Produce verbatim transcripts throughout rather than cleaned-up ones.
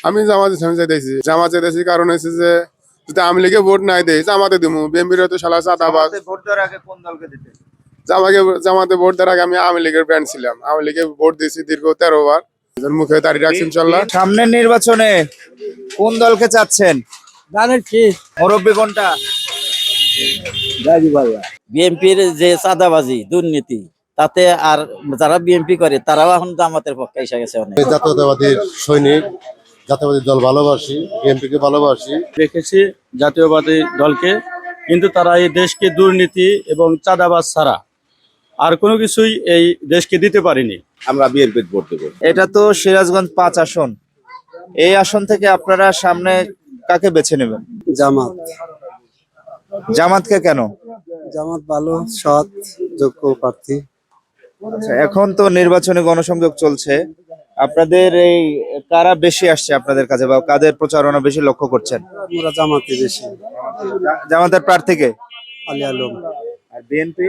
আমি জামাত ইসলামী চাইতেছি জামাত চাইতেছি কারণ হচ্ছে যে যদি আওয়ামী লীগে ভোট নাই দেয় জামাতে দিমু বিএনপির তো শালা চাঁদাবাজ। ভোট দেওয়ার আগে কোন দলকে দিতে? জামাকে জামাতে ভোট দেওয়ার আগে আমি আওয়ামী লীগের ব্যান্ড ছিলাম, আওয়ামী লীগে ভোট দিয়েছি দীর্ঘ তেরো বার। মুখে দাঁড়িয়ে রাখছি ইনশাল্লাহ। সামনের নির্বাচনে কোন দলকে চাচ্ছেন? জানেন কি মুরব্বী কোনটা? বিএনপির যে চাঁদাবাজি দুর্নীতি তাতে আর যারা বিএনপি করে তারাও এখন জামাতের পক্ষে এসে গেছে অনেক। জাতীয়তাবাদীর সৈনিক, জাতীয়বাদী দল ভালোবাসি, বিএনপিকে ভালোবাসি। দেখেছি জাতীয়বাদী দলকে, কিন্তু তারা এই দেশকে দুর্নীতি এবং চাঁদাবাজ ছাড়া আর কোনো কিছুই এই দেশকে দিতে পারেনি। আমরা বিএনপির ভোট দেবো। এটা তো সিরাজগঞ্জ পাঁচ আসন, এই আসন থেকে আপনারা সামনে কাকে বেছে নেবেন? জামাত। জামাতকে কেন? জামাত ভালো, সৎ, যোগ্য প্রার্থী। আচ্ছা, এখন তো নির্বাচনী গণসংযোগ চলছে, আপনাদের এই কারা বেশি আসছে আপনাদের কাছে বা কাদের প্রচারণা বেশি লক্ষ্য করছেন? আমরা জামাতে বেশি। জা- জামাতের প্রার্থীকে। আলী আলম। আর বিএনপি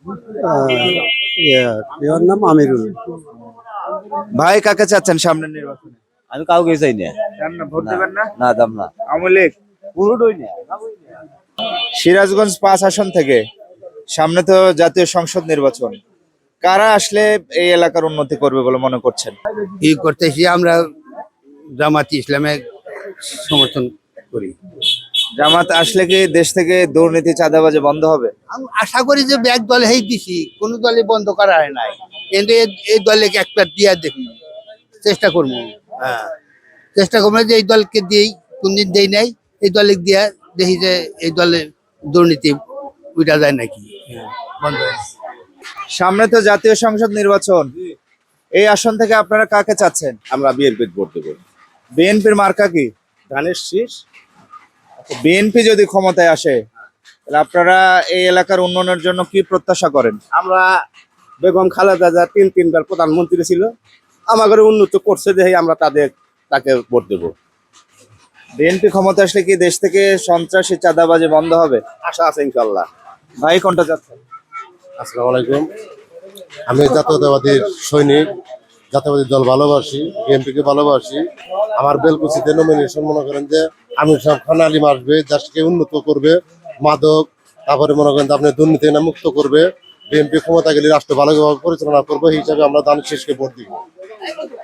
ওর নাম আমিরুল। ভাই কাকে চাচ্ছেন সামনের নির্বাচনে? আমি কাউকে চাই না। চান না, ভোট দেবেন না? না দাম না আওয়ামী লীগ। পুরোটাই না। সিরাজগঞ্জ পাঁচ আসন থেকে সামনে তো জাতীয় সংসদ নির্বাচন, কারা আসলে এই এলাকার উন্নতি করবে বলে মনে করছেন? ই করতেছি আমরা জামাত ইসলামে সমর্থন করি। জামাত আসলে কি দেশ থেকে দুর্নীতি চাঁদাবাজি বন্ধ হবে? আমি আশা করি যে এক দলে হেই দিছি, কোনো দলে বন্ধ করা হয় নাই, কিন্তু এ- এই দলে একটা দিয়া দেখি, চেষ্টা করবো। হ্যাঁ, চেষ্টা করবো যে এই দলকে দিই, কোনদিন দেই নাই, এই দলে দিয়া দেখি যে এই দলের দুর্নীতি উঠা যায় নাকি। হ্যাঁ, বন্ধ হয়। সামনে তো জাতীয় সংসদ নির্বাচন, এই আসন থেকে আপনারা কাকে চাচ্ছেন? আমরা বিএনপির ভোট দেবো। বিএনপির মার্কা কি? ধানের শীষ। বিএনপি যদি ক্ষমতায় আসে তাহলে আপনারা এই এলাকার উন্নয়নের জন্য কি প্রত্যাশা করেন? আমরা বেগম খালেদা জিয়া তিন তিনবার প্রধানমন্ত্রী ছিল, আমাদের উন্নত করছে দেখে আমরা তাদের তাকে ভোট দেবো। বিএনপি ক্ষমতা আসলে কি দেশ থেকে সন্ত্রাসী চাঁদাবাজি বন্ধ হবে? আশা আছে ইনশাল্লাহ। ভাই কোনটা চাচ্ছেন? আসসালামু আলাইকুম। আমি জাতীয়তাবাদীর সৈনিক, জাতীয়বাদী দল ভালোবাসি, বিএনপিকে ভালোবাসি। আমার বেলকুচিতে নমিনেশন মনে করেন যে আমির সাহেব খান আলিম আসবে, দেশকে উন্নত করবে, মাদক তারপরে মনে করেন যে আপনি দুর্নীতি না মুক্ত করবে, বিএনপি ক্ষমতা গেলে রাষ্ট্র ভালোভাবে পরিচালনা করবে, এই হিসাবে আমরা দানের শেষকে ভোট দিব।